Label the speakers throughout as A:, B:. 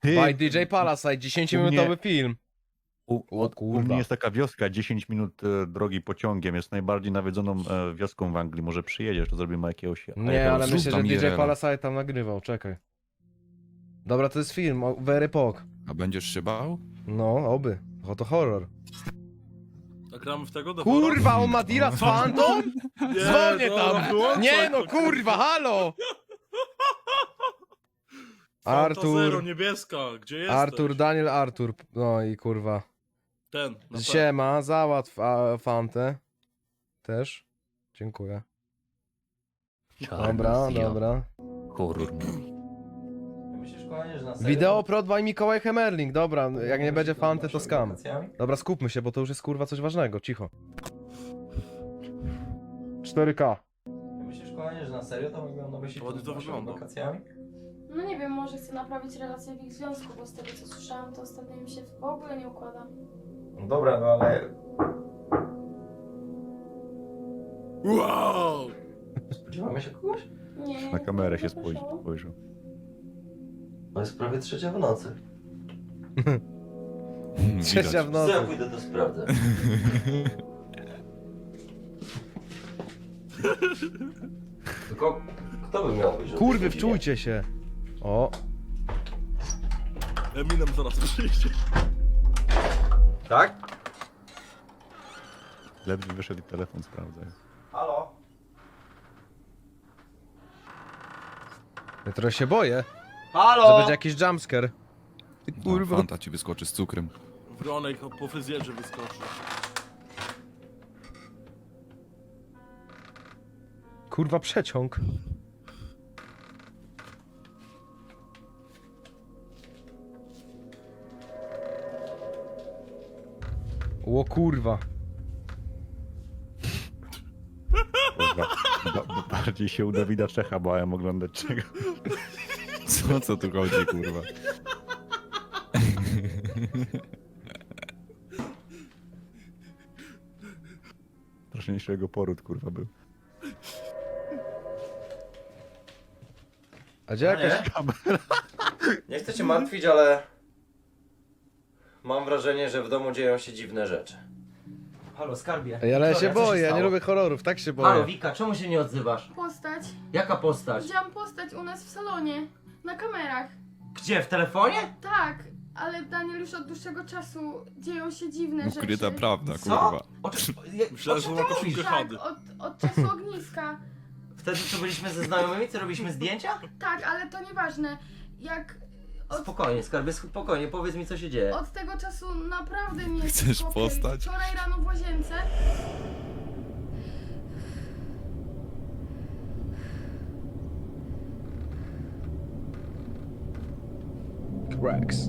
A: By DJ Palasite, 10-minutowy film. O
B: U
A: kurwa.
B: mnie jest taka wioska, 10 minut drogi pociągiem. Jest najbardziej nawiedzoną wioską w Anglii. Może przyjedziesz, to zrobimy jakiegoś...
A: Nie, ale
C: zrób
A: myślę, że
C: tam
A: DJ
C: IRL-a.
A: Palasite tam nagrywał, czekaj. Dobra, to jest film, Very Pog.
C: A będziesz się bał?
A: No, oby. To horror.
D: A gramy w tego? The
A: Kurwa, on ma deala z Phantom?
D: Nie,
A: Dzwonię
D: dobra,
A: tam!
D: wyłączaj
A: Nie no,
D: to,
A: kurwa, halo!
D: Fanta Zero,
A: Artur,
D: niebieska, gdzie jesteś?
A: Artur, Daniel Artur. No i kurwa.
D: Ten, na P.
A: Siema, załatw Fantę. Też. Dziękuję. Dobra, dobra.
B: Horror movie.
E: Myślisz, kochanie, że na serio?
A: Wideo prod by Mikołaj Hemerling. Dobra, jak nie będzie Fanty, to skam.
E: Wakacjami?
A: Dobra, skupmy się, bo to już jest kurwa coś ważnego. Cicho. 4K.
E: Myślisz, kochanie, że na serio to wygląda na myśli
D: Ładnie to wygląda.
E: wakacjami?
F: No nie wiem, może chcę naprawić relacje w ich związku, bo z tego co słyszałam, to ostatnio im się w ogóle nie układa.
E: No dobra, no ale...
D: Wow!
E: Spodziewamy się kogoś?
F: Nie.
B: Na kamerę się
F: nie słyszałam.
B: spojrzał.
E: No jest prawie 3 w nocy.
A: Trzecia w
E: Co ja
A: nocy.
E: pójdę to sprawdzę. Tylko kto by miał być? o tej
A: Kurwy,
E: godzinie?
A: wczujcie się. O,
D: Eminem zaraz przyjdzie.
E: Tak?
B: Ledwie wyszedł i telefon sprawdzaj.
E: Halo?
A: ja trochę się boję, że
E: Halo?
A: będzie jakiś jumpscare. Ty
C: No,
A: kurwa.
C: Fanta ci wyskoczy z cukrem.
D: Wronek po fryzjerze wyskoczy.
A: Kurwa przeciąg. O kurwa.
B: Kurwa, bardziej się u Dawida Czecha bałem oglądać czego.
C: Co tu chodzi, kurwa?
B: Straszniejszego poród, kurwa, był.
A: A gdzie jakaś...
E: Nie chcę cię martwić, ale... Mam wrażenie, że w domu dzieją się dziwne rzeczy. Halo, skarbie.
A: Ej, ale ja
E: Wiktoria,
A: się
E: co
A: boję, ja nie
E: stało?
A: lubię horrorów, tak się
E: Halo,
A: boję.
E: Wika, czemu się nie odzywasz?
F: Postać.
E: Jaka postać?
F: Widziałam postać u nas w salonie. Na kamerach.
E: Gdzie, w telefonie?
F: Tak, ale Daniel już od dłuższego czasu dzieją się dziwne rzeczy.
C: Ukryta prawda,
E: Co?
C: kurwa.
D: Myślałem, że
E: czym
D: ma
E: ty
D: koszulkę
E: mówisz?
F: Tak,
D: Hady.
F: od czasu ogniska.
E: Wtedy co byliśmy ze znajomymi, co robiliśmy zdjęcia?
F: Tak, ale to nieważne. Jak
E: Spokojnie, skarbie, spokojnie, powiedz mi co się dzieje.
F: od tego czasu naprawdę nie jest
C: Chcesz
F: okej.
C: postać?
F: Wczoraj rano w łazience
A: Cracks.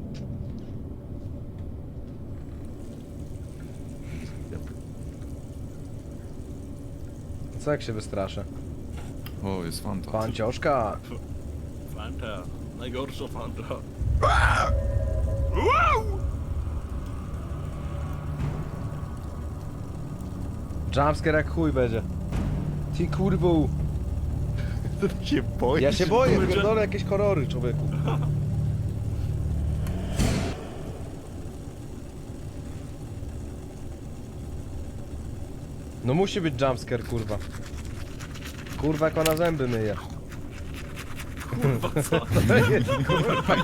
A: Co jak się wystraszę?
C: O, jest Fanta.
A: Pancioszka.
D: Fanta. Najgorsza Fanta.
A: Jumpscare jak chuj będzie. Ty kurwu.
B: To ty się boisz?
A: Ja się boję,
D: będzie-
A: pierdolę jakieś horrory, człowieku. No musi być jumpscare, kurwa. Kurwa, jak ona zęby myje.
D: Kurwa, co?
A: To jest, kurwa.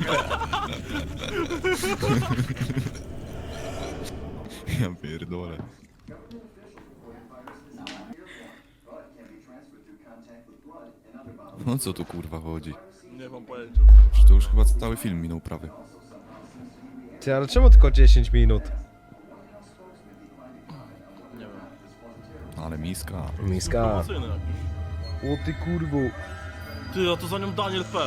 C: Ja pierdolę. No co tu kurwa chodzi?
D: Nie mam pojęcia.
C: Czy to już chyba cały film minął prawie.
A: Ty, ale czemu tylko 10 minut?
D: Nie wiem.
C: Ale miska.
A: Miska.
D: Promocyjny jakiś.
A: O ty kurwu.
D: Ty, a to za nią Daniel P.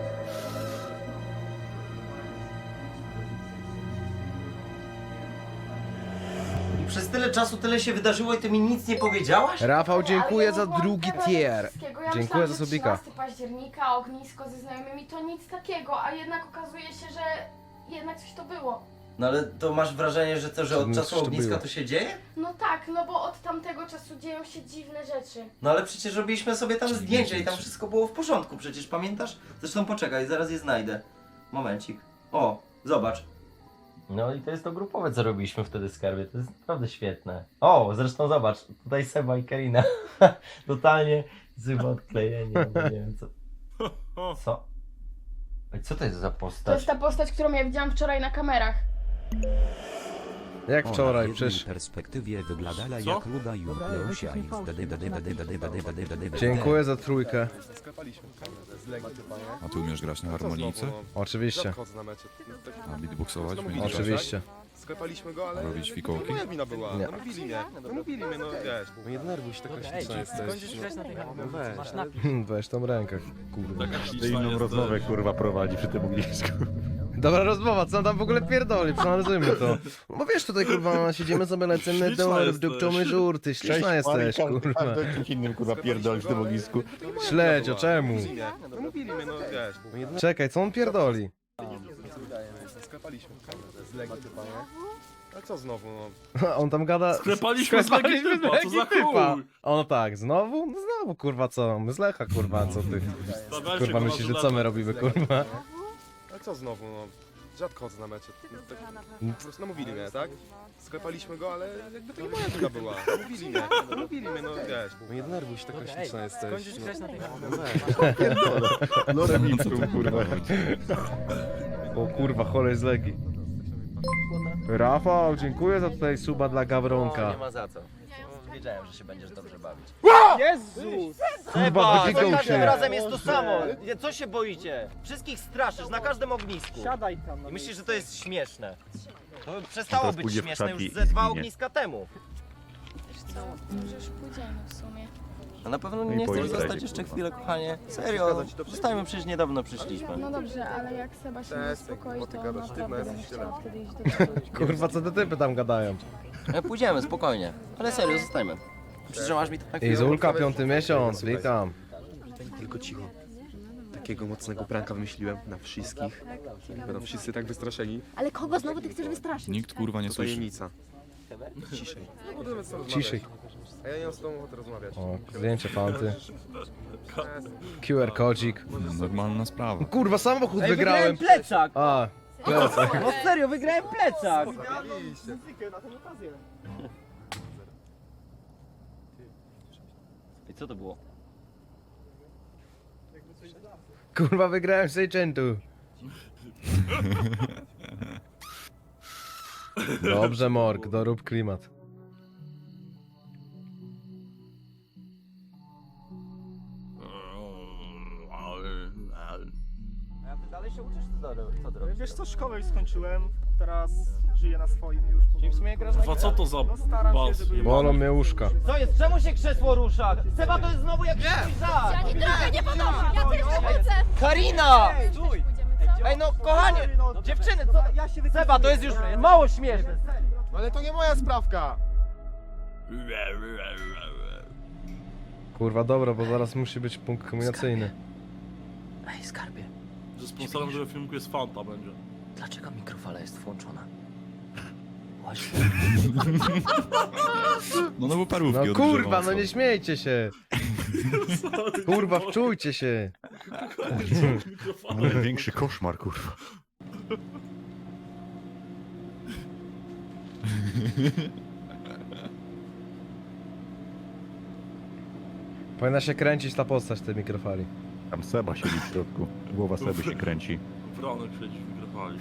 E: I przez tyle czasu tyle się wydarzyło i ty mi nic nie powiedziałaś?
A: Rafał,
F: Ale
A: dziękuję
F: ja
A: za
F: nie byłam
A: drugi
F: pewna
A: tier.
F: tego wszystkiego. Ja
A: Dziękuję
F: myślałam,
A: za
F: że
A: subika.
F: 13 października, ognisko ze znajomymi to nic takiego, a jednak okazuje się, że jednak coś to było.
E: No ale to masz wrażenie, że to, że od
A: Coś
E: czasu
A: to
E: ogniska
A: było.
E: to się dzieje?
F: No tak, no bo od tamtego czasu dzieją się dziwne rzeczy.
E: No ale przecież robiliśmy sobie tam
C: Dziwne
E: zdjęcia i tam
C: rzeczy.
E: wszystko było w porządku, przecież pamiętasz? Zresztą poczekaj, zaraz je znajdę. Momencik. O, zobacz. No i to jest to grupowe, co robiliśmy wtedy w skarbie. To jest naprawdę świetne. O, zresztą zobacz, tutaj Seba i Karina. Totalnie złe odklejenie, no nie wiem co. Co? Ej, co to jest za
F: To
E: postać?
F: jest ta postać, którą ja widziałam wczoraj na kamerach.
A: Jak wczoraj,
G: W
A: przecież.
G: perspektywie wyglądała
D: Co?
G: jak luda Junkleusia i
A: Dziękuję za trójkę.
C: A ty umiesz grać na harmonijce?
A: Oczywiście.
C: A beatboxować?
A: Oczywiście.
H: Sklepaliśmy go, ale
C: Robić fikołki?
H: moja wina była.
A: Nie.
H: No mówili mnie. No mówili mnie, no wiesz. No nie denerwuj się, taka śliczna jesteś. No weź.
A: Weź tą rękę, kurwa.
D: Taka
B: Ty
D: śliczna
B: inną
D: jesteś.
B: rozmowę kurwa prowadzi przy tym ognisku.
A: Dobra rozmowa, co on tam w ogóle pierdoli? Przeanalizujmy to. No wiesz, tutaj kurwa siedzimy sobie, lecimy
D: Śliczna
A: dolar,
D: jesteś.
A: wdupczamy żurty, śliczna jesteś, kurwa.
B: Kimś innym kurwa pierdoli w tym ognisku.
A: Śledź, o czemu?
H: No mówili mnie, no wiesz.
A: Czekaj, co on pierdoli?
H: Sklepaliśmy. Z Legii typa, nie? A co znowu, no?
A: On tam gada...
D: Sklepaliśmy z Legii typa, co za chuj?
A: On tak, znowu? No znowu, kurwa, co? My z Lecha, kurwa, co ty?
D: Stawiajcie
A: Kurwa,
D: go na
A: myślisz, że co
D: żuletę.
A: my robimy, kurwa?
H: A co znowu, no? Rzadko chodzę na mecze. No, tak, po prostu namówili mnie, tak? Sklepaliśmy go, ale jakby to nie moja wina była. Mówili mnie. No mówili mnie, no wiesz. No nie denerwuj się, taka śliczna jesteś.
B: No remixu kurwa.
A: O kurwa, cholej z Legii. Rafał, dziękuję za tutaj suba dla Gawronka.
E: Nie ma za co. Wiedziałem, że się będziesz dobrze bawić.
A: Kurwa,
E: Za
A: wygigał
E: każdym
A: się.
E: razem jest to samo. Co się boicie? Wszystkich straszysz na każdym ognisku. I myślisz, że to jest śmieszne. To przestało
B: Teraz
E: być
B: pójdzie w
E: śmieszne
B: krzaki
E: już
B: i
E: ze 2
B: zginie.
E: ogniska temu.
F: Może już pójdziemy w sumie.
E: A na pewno
B: No i
E: nie chcesz
B: pojedzie.
E: zostać jeszcze chwilę, kochanie? Serio, przystajmy, przecież niedawno przyszliśmy.
F: No dobrze, ale jak Seba się nie
H: Cześć,
F: uspokoi,
H: bo ty
F: to
H: gadasz, ty
F: naprawdę będę
H: jesteś
F: chciała wtedy iść do przodu.
A: Kurwa, co te typy tam gadają?
E: Pójdziemy, spokojnie. Ale serio, zostajmy. Przytrzymasz mi to na chwilę?
A: Izulka, 5. miesiąc, witam.
H: Tylko cicho. Takiego mocnego pranka wymyśliłem na wszystkich. Będą wszyscy tak wystraszeni.
I: Ale kogo znowu ty chcesz wystraszyć?
C: Nikt kurwa nie
H: To
C: słyszy.
H: tajemnica. Ciszej. No budujemy co
A: Ciszej.
H: A ja nie mam z tobą ochoty rozmawiać.
A: O, zdjęcie fanty. QR kodzik.
C: Normalna sprawa.
A: Kurwa, samochód wygrałem.
E: plecak!
A: A, plecak.
E: No serio, wygrałem plecak! I co to było?
A: Kurwa, wygrałem z Agentu. Dobrze, Morg, dorób klimat.
E: A ty dalej się uczysz, co robisz?
J: Wiesz co, szkołę już skończyłem, teraz żyję na swoim już.
E: Czyli w sumie grasz na
D: Kurwa, co to za
J: No staram się,
D: bas?
J: żeby...
A: Bolą mnie łóżka.
E: Co jest? Czemu się krzesło rusza? Seba, to jest znowu jakiś twój żart!
F: Ja nikogo nie podoba! Ja też nie chcę!
E: Karina!
J: Stój!
E: Ej no, kochanie! Dziewczyny, co? Seba, to jest już mało śmieszne!
H: Ale to nie moja sprawka!
A: Kurwa, dobra, bo zaraz musi być punkt kombinacyjny.
E: Ej, skarbie,
D: Że sponsorem tego filmiku jest Fanta będzie.
E: dlaczego mikrofala jest włączona? Właśnie.
C: No bo parówki
A: No
C: odgrzewał,
A: kurwa, no
C: co?
A: nie śmiejcie się. Kurwa, wczujcie się.
B: Największy koszmar kurwa.
A: Powinna się kręcić ta postać tej mikrofali.
B: Tam Seba siedzi w środku. Głowa Seby się kręci.
D: Wronek siedzi w mikrofali.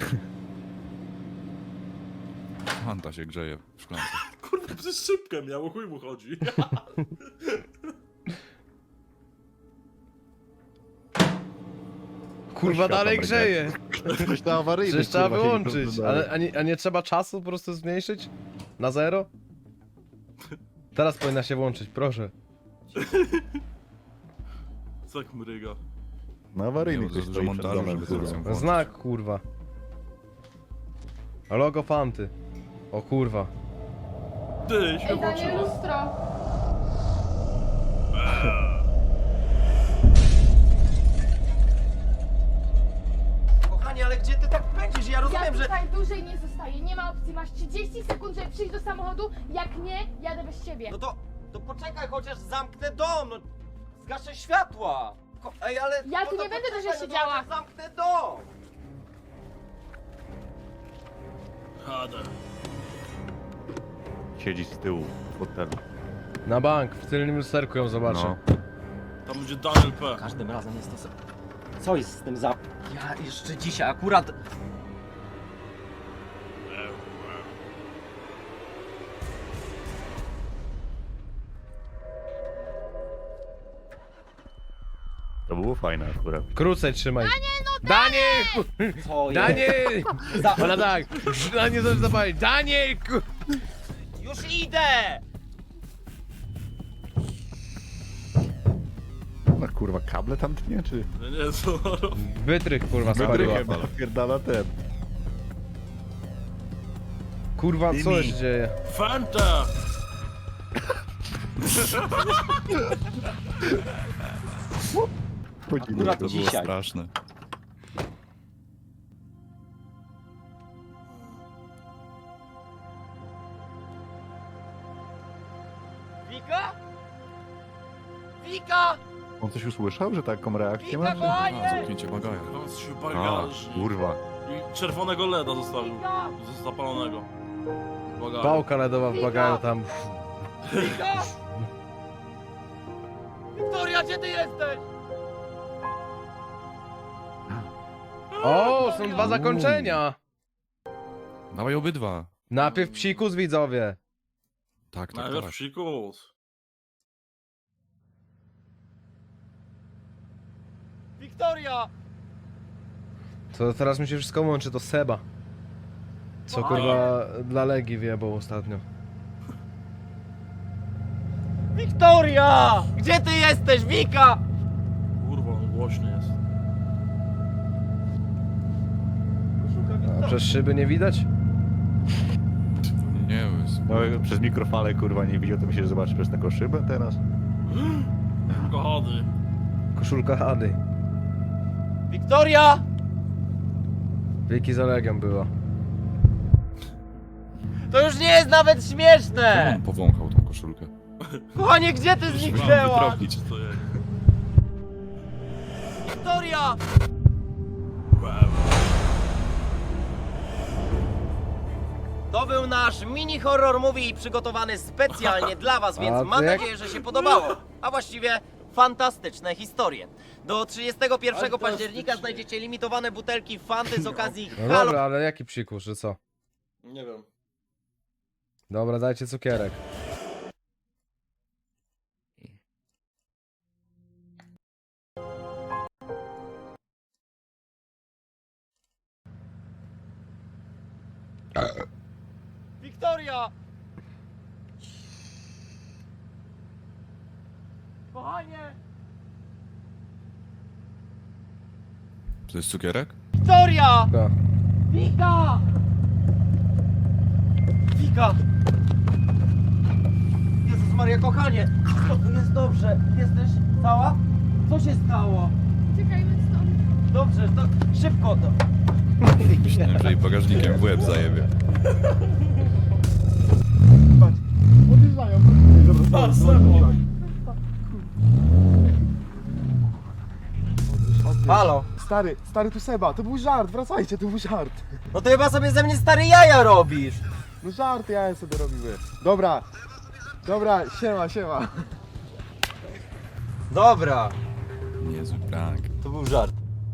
C: Fanta się grzeje w szklance.
D: Kurwa, przez szybkę miał, o chuj mu chodzi.
A: Kurwa,
B: Światła
A: dalej
B: mryga.
A: grzeje.
B: Coś na awaryjny.
A: Przecież trzeba
B: kurwa, siedzi
A: wyłączyć.
B: tu dalej.
A: A nie trzeba czasu po prostu zmniejszyć? Na 0? Teraz powinna się włączyć, proszę.
D: Co jak mryga.
B: Na awaryjny
C: Nie,
B: ktoś
C: że
B: stoi przed
C: montażu,
B: domem,
C: żeby
B: kurwa.
C: to włączyć.
A: Znak, kurwa. Logo Fanty. O kurwa.
D: Ty, się
F: Ej, Daniel,
D: włączyło.
F: lustro!
E: Kochanie, ale gdzie ty tak pędzisz? Ja
F: Ja
E: rozumiem, że...
F: tutaj dłużej nie zostaję, nie ma opcji. Masz 30 sekund, żeby przyjść do samochodu. Jak nie, jadę bez ciebie.
E: No to poczekaj, chociaż zamknę dom, no. Zgaszę światła. Ej, ale...
F: Ja tu
E: no to
F: nie będę
E: poczekaj,
F: dłużej
E: no to
F: siedziała.
E: chociaż zamknę dom.
D: Jadę.
B: Siedzi z tyłu w fotelu.
A: Na bank, w tylnym lusterku ją zobaczę.
B: No.
D: Tam będzie Daniel P.
E: Każdym razem jest to samo. Co jest z tym za... Ja jeszcze dzisiaj akurat...
B: To było fajne akurat.
A: Krócej trzymaj. Daniel!
E: Co jest?
A: Daniel!
E: Za...
A: Ona tak, Daniel coś zapalić. Daniel!
E: Już idę!
B: No kurwa, kable tam tnie, czy?
D: Nie, co?
A: Wytrych kurwa spaliła.
B: Pierdala ten.
A: Kurwa, co
B: Dymi.
A: się dzieje?
D: Fanta!
E: Akurat
C: To było
E: dzisiaj.
C: straszne.
E: Wika? Wika!
B: On coś usłyszał, że taką reakcję ma?
E: Wika, kochanie!
C: A, zamknięcie bagaja.
D: Tam się
B: A,
D: bagaż.
B: kurwa.
D: I czerwonego LEDa zostawił. Zapalonego. Bagaż.
A: Pałka ledowa w bagażu tam.
E: Wika! Wiktoria, gdzie ty jesteś?
A: O, są dwa zakończenia.
C: Dawaj obydwa.
A: Najpierw psikus, widzowie.
C: Tak, tak,
D: Najpierw
C: tak.
D: psikus.
E: Wiktoria!
A: To teraz mi się wszystko łączy, to Seba. Co kurwa dla Legii wjebał ostatnio.
E: Wiktoria! Gdzie ty jesteś, Wika?
D: Kurwa, on głośny jest.
A: A przez szyby nie widać?
C: Nie, jest...
B: No, przez mikrofale kurwa nie widział, to mi się zobaczy przez taką szybę teraz.
D: Kochany.
A: Koszulka Hady.
E: Wiktoria!
A: Wiki za Legią była.
E: To już nie jest nawet
C: Czemu
E: śmieszne!
C: on powąchał tą koszulkę?
E: Kochanie, gdzie ty
D: Mam
E: zniknęłaś?
D: wytropić, co jest.
E: Wiktoria! To był nasz mini horror movie przygotowany specjalnie dla was, więc
A: A
E: mam
A: jak-
E: nadzieję, że się podobało. A właściwie fantastyczne historie. Do 31 października znajdziecie limitowane butelki Fanty z okazji
A: No
E: Halloween.
A: dobra, ale jaki psikus, że co?
D: Nie wiem.
A: Dobra, dajcie cukierek.
E: Wiktoria! Kochanie!
C: To jest cukierek?
E: Wiktoria!
A: Da.
E: Wika! Wika! Jezus Maria, kochanie! Jest dobrze. Jesteś cała? Co się stało?
F: Uciekajmy stąd.
E: Dobrze, to szybko to.
C: Myślałem, że jej bagażnikiem w łeb zajebie.
E: Halo?
J: Stary, tu Seba, to był żart, wracajcie, to był żart.
E: No to chyba sobie ze mnie stary jaja robisz.
J: No żart, ja sobie robimy. Dobra, siema.
E: Dobra,
C: Niezły prank.
E: to był żart.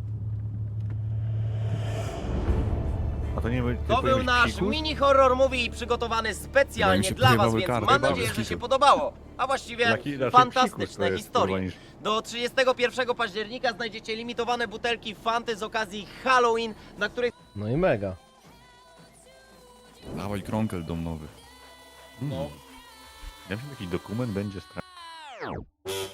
B: A to nie był
E: To był nasz mini horror movie przygotowany
C: Chyba im
E: specjalnie
C: się
E: dla was,
C: pojebały
E: więc
C: karty,
E: mam
C: bez
E: nadzieję, że
C: kitu.
E: się podobało. A właściwie fantastyczne historie. Do 31 października znajdziecie limitowane butelki Fanty z okazji Halloween, na których
A: No i mega.
C: Dawaj kronkel dom nowy.
B: No. Ja wiem, jaki dokument będzie straszny.